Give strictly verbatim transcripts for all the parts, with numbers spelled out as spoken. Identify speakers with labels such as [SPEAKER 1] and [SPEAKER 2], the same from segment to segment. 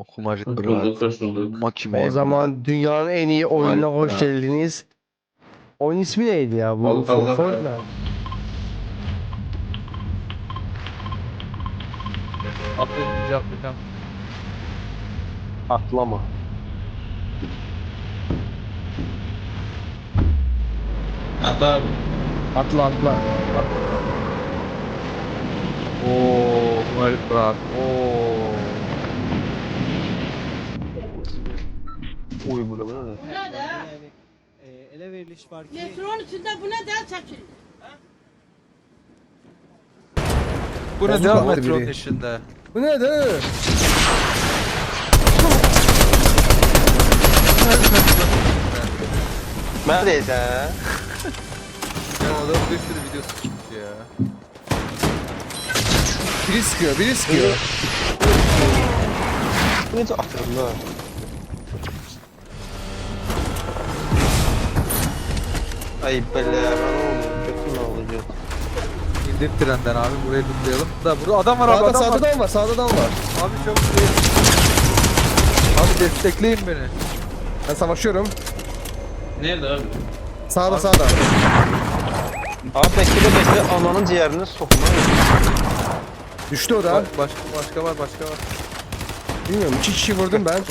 [SPEAKER 1] Kumacık
[SPEAKER 2] Hoş
[SPEAKER 1] Kral.
[SPEAKER 2] bulduk, hoş bulduk.
[SPEAKER 1] Makime.
[SPEAKER 3] O zaman dünyanın en iyi oyununa
[SPEAKER 2] Vay-
[SPEAKER 3] hoş geldiniz. Oyun ismi neydi ya bu?
[SPEAKER 2] Allah Allah.
[SPEAKER 3] Fortnite.
[SPEAKER 4] Atlayınca atlayacağım.
[SPEAKER 3] Atlama.
[SPEAKER 2] Hatta
[SPEAKER 3] Atla atla.
[SPEAKER 4] Ooo Kumacık Kral. Ooo.
[SPEAKER 3] Uy bu ne böyle?
[SPEAKER 5] Buna da
[SPEAKER 6] Yani e, ele veriliş var ki
[SPEAKER 5] metronun içinde buna da çekil.
[SPEAKER 4] Bu ne
[SPEAKER 3] Bozuk
[SPEAKER 4] devam
[SPEAKER 3] attı
[SPEAKER 4] metronun
[SPEAKER 3] biri.
[SPEAKER 4] içinde?
[SPEAKER 3] Bu ne de? Neredeyse?
[SPEAKER 4] Ya adam bir sürü videosu çıktı ya.
[SPEAKER 3] Biri sıkıyor, biri sıkıyor. Bu ne de atıyorum lan? Ay bela ben oğlum kötü mü olacak?
[SPEAKER 4] İndir trenden abi burayı lootlayalım. Da burada adam var abi
[SPEAKER 3] Sağda
[SPEAKER 4] adam
[SPEAKER 3] sağda
[SPEAKER 4] var.
[SPEAKER 3] dam var, sağda dam var.
[SPEAKER 4] Abi çabuk değil. Abi destekleyin beni.
[SPEAKER 3] Ben savaşıyorum.
[SPEAKER 2] nerede abi?
[SPEAKER 3] Sağda sağda. Abi bekle bekle ananın ciğerini sokma. Düştü o da.
[SPEAKER 4] Ba- başka başka var başka var.
[SPEAKER 3] Bilmiyorum iki kişi vurdum ben.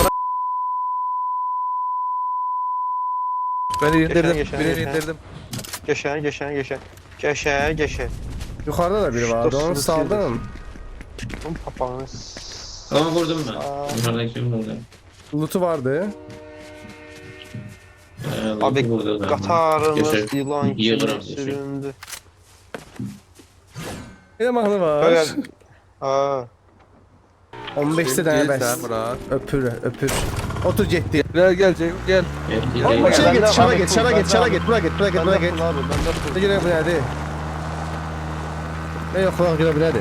[SPEAKER 4] Ben indirdim.
[SPEAKER 3] geçen,
[SPEAKER 4] Birini
[SPEAKER 3] geçen.
[SPEAKER 4] indirdim.
[SPEAKER 3] Geçen geçen geçen. Geçen geçen. Yukarıda da biri vardı onu saldım. Bunun papağanı.
[SPEAKER 2] Ama vurdum ben.
[SPEAKER 3] Aa.
[SPEAKER 2] Bunlardan kim vurdu?
[SPEAKER 3] Loot'u vardı.
[SPEAKER 2] Ee,
[SPEAKER 3] Abi
[SPEAKER 2] vurdu da.
[SPEAKER 3] Katarımız
[SPEAKER 2] Geçer.
[SPEAKER 3] yılan gibi
[SPEAKER 2] Yılan geçer.
[SPEAKER 3] süründü. Bir de mahnı var.
[SPEAKER 6] Böyle-
[SPEAKER 3] Aa. on beşte
[SPEAKER 4] Şimdi
[SPEAKER 3] tane
[SPEAKER 4] sen
[SPEAKER 3] bes.
[SPEAKER 4] Murat.
[SPEAKER 3] Öpür öpür. Otur ciddi.
[SPEAKER 4] Gel gel Ceyhun gel.
[SPEAKER 2] Gel,
[SPEAKER 3] Ama
[SPEAKER 2] gel,
[SPEAKER 3] şey
[SPEAKER 2] gel.
[SPEAKER 3] git,
[SPEAKER 6] Bende-
[SPEAKER 3] şara
[SPEAKER 6] bende
[SPEAKER 3] git,
[SPEAKER 6] full,
[SPEAKER 3] şara
[SPEAKER 6] bende
[SPEAKER 3] git, şara
[SPEAKER 6] abi.
[SPEAKER 3] git, buraya git, buraya git, buraya git.
[SPEAKER 6] abi, ben de
[SPEAKER 3] Ne göre bu nerede? Ne yok lan göre bu nerede?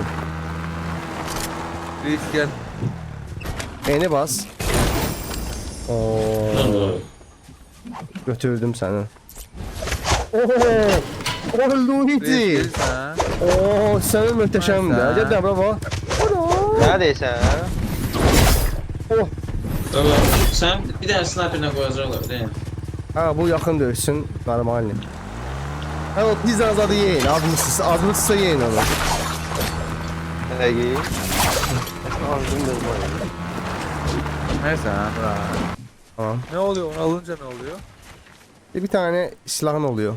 [SPEAKER 4] Reis gel.
[SPEAKER 3] Beni bas. Oo.
[SPEAKER 2] Lan
[SPEAKER 3] Götürdüm seni. Oo. Oh
[SPEAKER 4] Reis
[SPEAKER 3] Luigi.
[SPEAKER 4] gel sen.
[SPEAKER 3] Oo sen muhteşemdi.
[SPEAKER 4] Neyse.
[SPEAKER 3] Cidden bravo. Neredeyse. Oh.
[SPEAKER 2] Baba, sen bir daha sniper'ına koyacaklar değil mi?
[SPEAKER 3] Ha bu yakın dövüşsün normal. Ha o pizza azadı yiyin. Azmışsız, azmışsızsa yiyin onu. Ne yiyin? Azdım da
[SPEAKER 4] Neyse Murat.
[SPEAKER 3] Tamam.
[SPEAKER 4] Ne oluyor onu alınca ne oluyor?
[SPEAKER 3] Bir tane silahın oluyor.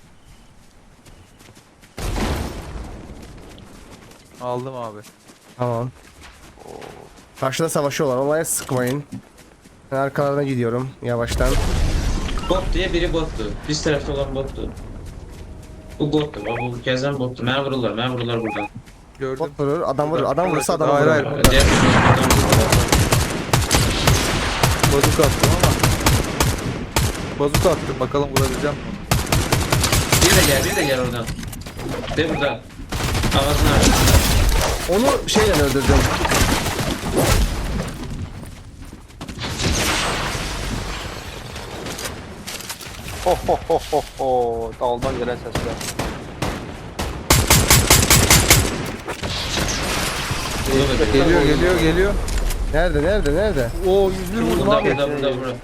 [SPEAKER 4] Aldım abi.
[SPEAKER 3] Tamam. Karşıda savaşıyorlar. Olaya sıkmayın. Ben arkalarına gidiyorum yavaştan.
[SPEAKER 2] Bot diye biri bottu. Biz tarafta olan bottu. Bu bottu. Bu gezen bottu. Ben vururlar. Ben vururlar buradan.
[SPEAKER 4] Gördüm.
[SPEAKER 3] Bot vurur, adam vurur. Adam vurursa adam
[SPEAKER 4] Hayır,
[SPEAKER 3] vurur.
[SPEAKER 4] hayır.
[SPEAKER 2] Diğer taraftan vururlar.
[SPEAKER 4] Bazuk attım ama. Bazuk attım bakalım vurabileceğim mi?
[SPEAKER 2] Bir de gel, bir de gel oradan. De burada. Ağzını aç.
[SPEAKER 3] Onu şeyle öldürdüm. Ho ho ho ho ho. Daldan gelen sesler.
[SPEAKER 2] Burada da bir-
[SPEAKER 4] Geliyor geliyor geliyor.
[SPEAKER 3] Nerede nerede nerede?
[SPEAKER 4] Oo yüz bir vurdum
[SPEAKER 2] Burada,
[SPEAKER 4] abi.
[SPEAKER 2] burada, burada, burada.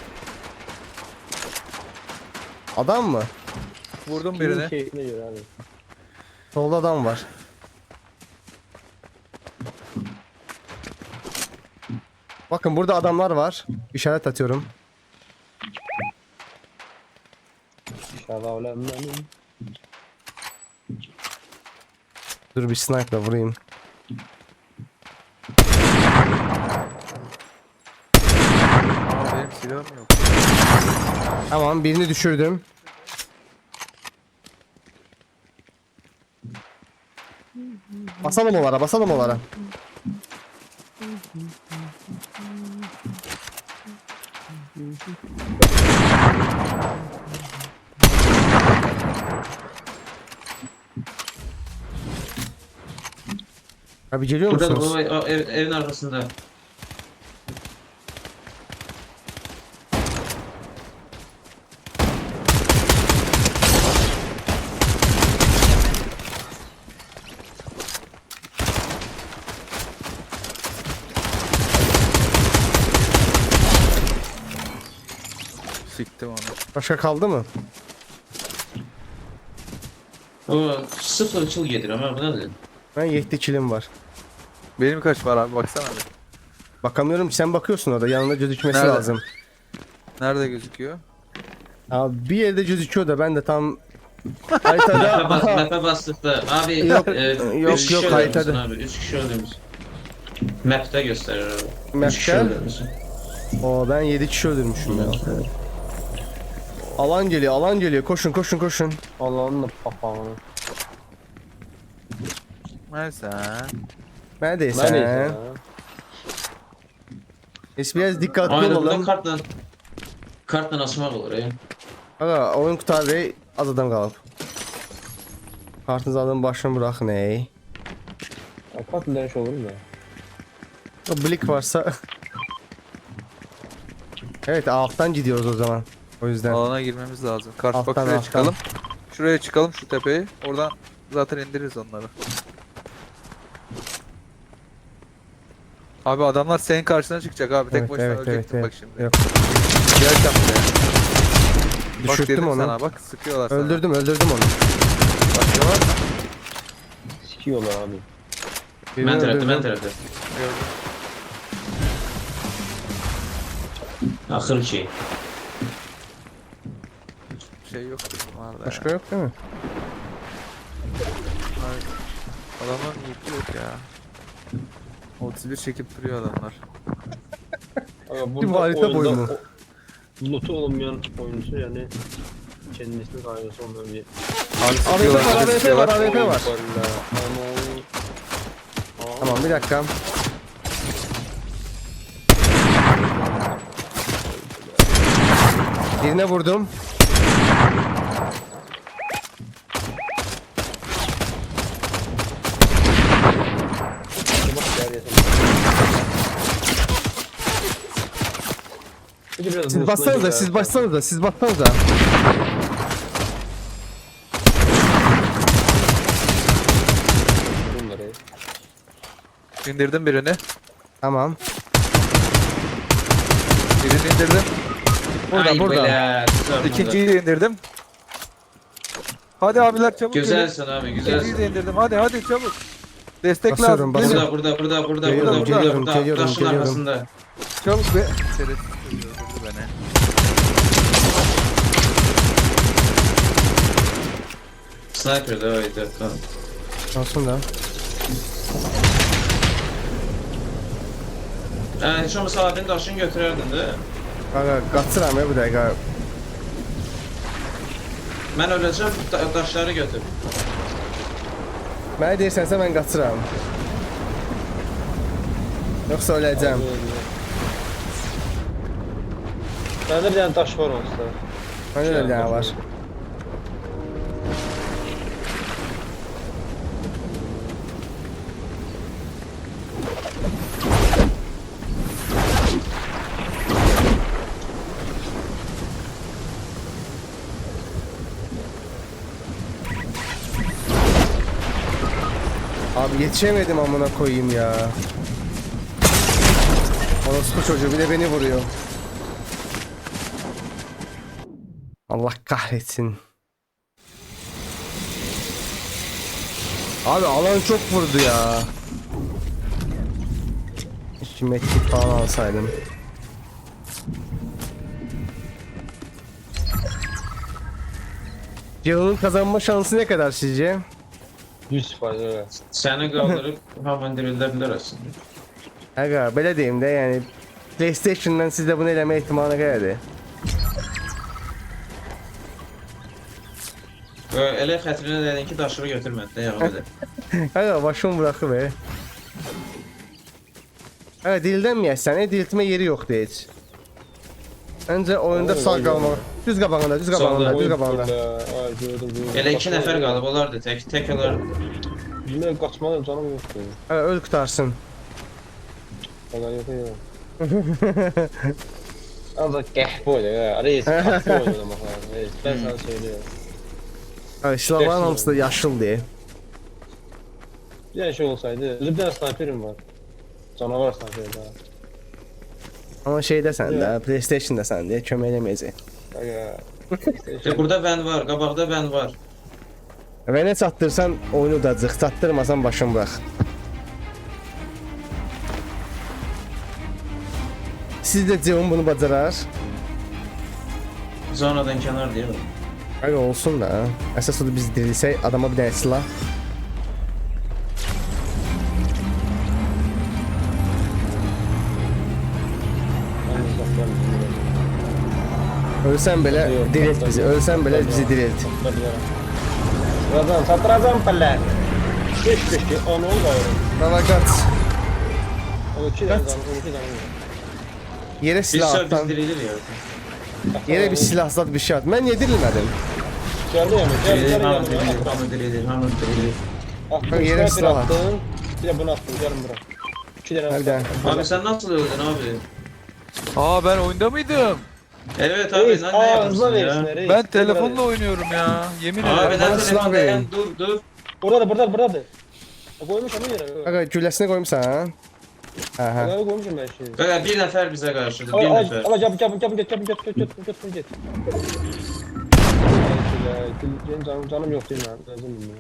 [SPEAKER 3] Adam mı?
[SPEAKER 4] Vurdum birini.
[SPEAKER 3] Solda adam var. Bakın burada adamlar var. İşaret atıyorum. Dur bir sniper'la vurayım.
[SPEAKER 4] Aa benim silahım yok.
[SPEAKER 3] Tamam birini düşürdüm. Basalım onlara, basalım onlara. Abi geliyor
[SPEAKER 2] Burada da
[SPEAKER 3] musunuz?
[SPEAKER 2] bu o ev, evin arkasında.
[SPEAKER 4] Siktim onu.
[SPEAKER 3] Başka kaldı mı?
[SPEAKER 2] O sıfır ıçıl gelir ama bu nedir?
[SPEAKER 3] Ben yedi kilim var.
[SPEAKER 4] Benim kaç var abi baksana bir.
[SPEAKER 3] Bakamıyorum ki, sen bakıyorsun orada. Yanında gözükmesi
[SPEAKER 4] Nerede?
[SPEAKER 3] lazım.
[SPEAKER 4] Nerede gözüküyor?
[SPEAKER 3] Abi bir yerde gözüküyor da ben de tam
[SPEAKER 2] Map'e
[SPEAKER 3] haritada...
[SPEAKER 2] bas,
[SPEAKER 3] Aha,
[SPEAKER 2] map'e bastık da abi
[SPEAKER 3] Yok,
[SPEAKER 2] e,
[SPEAKER 3] yok,
[SPEAKER 2] üç kişi
[SPEAKER 3] yok,
[SPEAKER 2] öldürmüşsün
[SPEAKER 3] haritada.
[SPEAKER 2] abi. Üç kişi öldürmüş. Map'te gösterir abi. Üç kişi
[SPEAKER 3] Map'te?
[SPEAKER 2] öldürmüşsün.
[SPEAKER 3] Oo, ben yedi kişi öldürmüşüm ya. Alan geliyor, alan geliyor. Koşun, koşun, koşun.
[SPEAKER 1] Allah'ın da papağanı.
[SPEAKER 4] Neyse.
[SPEAKER 3] Neredeyse.
[SPEAKER 1] Neredeyse ya.
[SPEAKER 3] Biz biraz dikkatli
[SPEAKER 2] Aynen burada
[SPEAKER 3] olalım.
[SPEAKER 2] kartla kartla asmak olur ya.
[SPEAKER 3] Aga, oyun qutar ve az adam qalıb. Kartınızı alın, başını bırakın ey.
[SPEAKER 1] Kapat dönüş olur mu ya?
[SPEAKER 3] O blik varsa... Evet, alttan gidiyoruz o zaman. O yüzden.
[SPEAKER 4] Alana girmemiz lazım. Karşı bak
[SPEAKER 3] Alttan,
[SPEAKER 4] şuraya
[SPEAKER 3] alttan.
[SPEAKER 4] çıkalım. Şuraya çıkalım şu tepeyi. Oradan zaten indiririz onları. Abi adamlar senin karşına çıkacak abi. Tek
[SPEAKER 3] Evet,
[SPEAKER 4] başına
[SPEAKER 3] evet,
[SPEAKER 4] ölecektin
[SPEAKER 3] evet,
[SPEAKER 4] bak
[SPEAKER 3] evet.
[SPEAKER 4] şimdi.
[SPEAKER 3] Yok.
[SPEAKER 4] Gel sen buraya. Bak
[SPEAKER 3] Düşürttüm
[SPEAKER 4] dedim
[SPEAKER 3] onu.
[SPEAKER 4] sana bak sıkıyorlar sana.
[SPEAKER 3] Öldürdüm, öldürdüm onu.
[SPEAKER 4] Başka var mı?
[SPEAKER 1] Sikiyorlar abi.
[SPEAKER 3] Birini
[SPEAKER 2] Ben tarafta,
[SPEAKER 3] öldürdüm.
[SPEAKER 2] ben tarafta.
[SPEAKER 4] Gördüm.
[SPEAKER 2] Axır şey.
[SPEAKER 4] Şey yok bunlarda ya.
[SPEAKER 3] Başka yok değil mi?
[SPEAKER 4] Hayır. Adamlar loot'u yok ya. otuz bir çekip duruyor adamlar.
[SPEAKER 1] Aga,
[SPEAKER 3] Bu harita
[SPEAKER 1] oyunda
[SPEAKER 3] boyu mu?
[SPEAKER 1] o- Loot'u olmayan oyuncu yani kendisini kaygısı ondan bir...
[SPEAKER 4] Abi
[SPEAKER 3] A W P
[SPEAKER 4] sıkıyorlar.
[SPEAKER 3] var, A W P var, A W P var.
[SPEAKER 1] Ama...
[SPEAKER 3] Tamam, bir dakika. Birine vurdum. Siz bassanıza, siz bassanıza, siz bassanıza.
[SPEAKER 1] Bunları.
[SPEAKER 4] İndirdim birini.
[SPEAKER 3] Tamam.
[SPEAKER 4] Birini indirdim.
[SPEAKER 3] Burada,
[SPEAKER 2] Ay
[SPEAKER 3] burada.
[SPEAKER 2] bela, güzel burada.
[SPEAKER 4] İkinciyi de indirdim. Hadi abiler çabuk gelin.
[SPEAKER 2] Güzelsin abi,
[SPEAKER 4] İkinciyi
[SPEAKER 2] güzelsin.
[SPEAKER 4] de indirdim. Hadi hadi çabuk. Destek
[SPEAKER 3] Basıyorum,
[SPEAKER 4] lazım.
[SPEAKER 3] basıyorum.
[SPEAKER 4] Gelin.
[SPEAKER 2] Burada, burada, burada, burada,
[SPEAKER 3] Geliyorum,
[SPEAKER 2] burada, burada,
[SPEAKER 3] geliyorum,
[SPEAKER 2] burada.
[SPEAKER 3] geliyorum,
[SPEAKER 2] Taşın
[SPEAKER 3] geliyorum.
[SPEAKER 2] arkasında.
[SPEAKER 4] Çabuk be. Şerefsiz öldürdü beni.
[SPEAKER 2] Sniper da oydu. Tamam.
[SPEAKER 3] Olsun da.
[SPEAKER 2] Yani hiç olmasa abinin daşını götürerdin de.
[SPEAKER 3] Kanka, qaçıram ya bu dəqiqə.
[SPEAKER 2] Ben öleceğim, da daşları götür.
[SPEAKER 3] Mənə deyirsənsə mən qaçıram. Yoxsa öləcəm.
[SPEAKER 1] Bende bir tane taş var olsa.
[SPEAKER 3] Məndə də bir dənə var. Abi yetişemedim amına koyayım ya. Orospu çocuğu bir de beni vuruyor. Allah kahretsin. Abi alan çok vurdu ya. İki metrik falan alsaydım. Yılın kazanma şansı ne kadar sizce?
[SPEAKER 1] yüz faiz öyle.
[SPEAKER 2] Seni kaldırıp hemen dirildirirler aslında.
[SPEAKER 3] Aga belə deyim də, yəni PlayStation-dan sizdə bunu eləmə ehtimalı qədərdir.
[SPEAKER 2] Elə xətrinə dedin ki, daşları götürmədin də yağı dedi.
[SPEAKER 3] Aga başım bırakıb e. Aga dildənməyəsən, e, diltmə yeri yoxdur heç. Öncə oyunda
[SPEAKER 1] Oy,
[SPEAKER 3] sağ
[SPEAKER 1] oy,
[SPEAKER 3] qalmaq. Düz qabağında, düz qabağında,
[SPEAKER 2] Solda.
[SPEAKER 3] düz qabağında.
[SPEAKER 1] Ay gördüm. gördüm.
[SPEAKER 2] Elə iki nəfər qalıb, olardı tək, tək olar.
[SPEAKER 1] Bilmem kaçmalı canım yoktu.
[SPEAKER 3] Aga öl qutarsın.
[SPEAKER 1] Kadar yok ya. Az da qəhbə oydu ya. Reis qəhbə oynamaq lazım. Reis ben sana söylüyorum.
[SPEAKER 3] Aga silahların hamısı da yaşıldır.
[SPEAKER 1] Bir tane şey olsaydı. Bir tane sniperim var. Canavar sniperi daha.
[SPEAKER 3] Amma şeydəsən də, PlayStation-dasən deyə kömək eləməyəcək.
[SPEAKER 2] E, burada ben var. Qabaqda ben var.
[SPEAKER 3] Və nə çatdırsan oyunu udacaq, çatdırmasan başın bırax. Siz də Cevon bunu bacarar.
[SPEAKER 2] Zonadan kenar değil mi?
[SPEAKER 3] Öyle olsun da. Əsas odur biz dirilsək adama bir dənə silah. Ölsən belə dirilt bizi, ölsən belə bizi dirilt.
[SPEAKER 1] Birazdan satıracağım pəllər. Beş beş ki, on ol gayrı.
[SPEAKER 3] Dava qaç.
[SPEAKER 1] O iki tane canım, on iki tane.
[SPEAKER 3] Yerə
[SPEAKER 2] Biz
[SPEAKER 3] silah
[SPEAKER 2] sör
[SPEAKER 3] atdan.
[SPEAKER 2] biz dirilir ya.
[SPEAKER 3] Yerə bir silah zat bir şey at. Mən niyə dirilmədim?
[SPEAKER 1] Geldi yani, geldi
[SPEAKER 2] Dirilir,
[SPEAKER 1] geldi
[SPEAKER 2] hamı
[SPEAKER 1] geldi.
[SPEAKER 2] dirilir, hamı dirilir, hamı dirilir.
[SPEAKER 1] Attım,
[SPEAKER 3] yere
[SPEAKER 1] yere
[SPEAKER 3] silah at.
[SPEAKER 1] attım. Bir de bunu attım, gelin bura. İki tane
[SPEAKER 3] Hadi.
[SPEAKER 1] attım.
[SPEAKER 2] Abi sen nasıl öldün abi?
[SPEAKER 4] Aa ben oyunda mıydım?
[SPEAKER 2] Evet abi
[SPEAKER 1] Reis,
[SPEAKER 2] lan ne
[SPEAKER 1] aa, hızla
[SPEAKER 2] yapıyorsun
[SPEAKER 1] verirsin
[SPEAKER 2] ya?
[SPEAKER 1] reis.
[SPEAKER 4] Ben
[SPEAKER 1] Dur
[SPEAKER 4] telefonla
[SPEAKER 1] burada.
[SPEAKER 4] oynuyorum ya. Yemin
[SPEAKER 2] Abi
[SPEAKER 4] ederim.
[SPEAKER 3] bana
[SPEAKER 2] ben
[SPEAKER 3] silah
[SPEAKER 2] telefonda
[SPEAKER 3] verin.
[SPEAKER 2] yan dur dur.
[SPEAKER 1] Burada da, burada da, burada da. E, Koymuş onu yere.
[SPEAKER 3] Aga gülləsini qoymuşsan ha? Aha.
[SPEAKER 1] Aga koymuşum ben şimdi.
[SPEAKER 2] Kanka bir nefer bize karşıdır,
[SPEAKER 1] Al
[SPEAKER 2] bir
[SPEAKER 1] al
[SPEAKER 2] nefer.
[SPEAKER 1] al cap cap cap get cap get get get get get get. Benim canım canım yok değil mi? Lazım mı?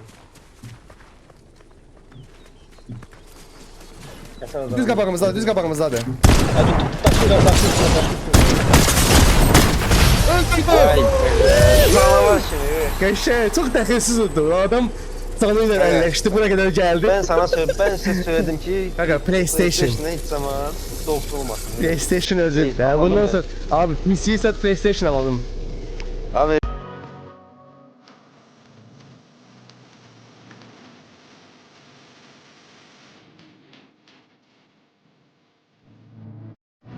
[SPEAKER 3] Düz qabağımızdadır, düz qabağımızdadır.
[SPEAKER 1] Hadi taşı da taşı
[SPEAKER 3] Qəşəng, çox dəxilsiz oldu. O adam canı ilə əlləşdi, bura qədər gəldi.
[SPEAKER 7] Ben sana söyle, ben size söyledim ki
[SPEAKER 3] Qaqa PlayStation.
[SPEAKER 7] PlayStation'a hiç zaman dokunulmasın.
[SPEAKER 3] PlayStation özür. Ya bundan sonra abi P C'yi sat PlayStation alalım.
[SPEAKER 7] Abi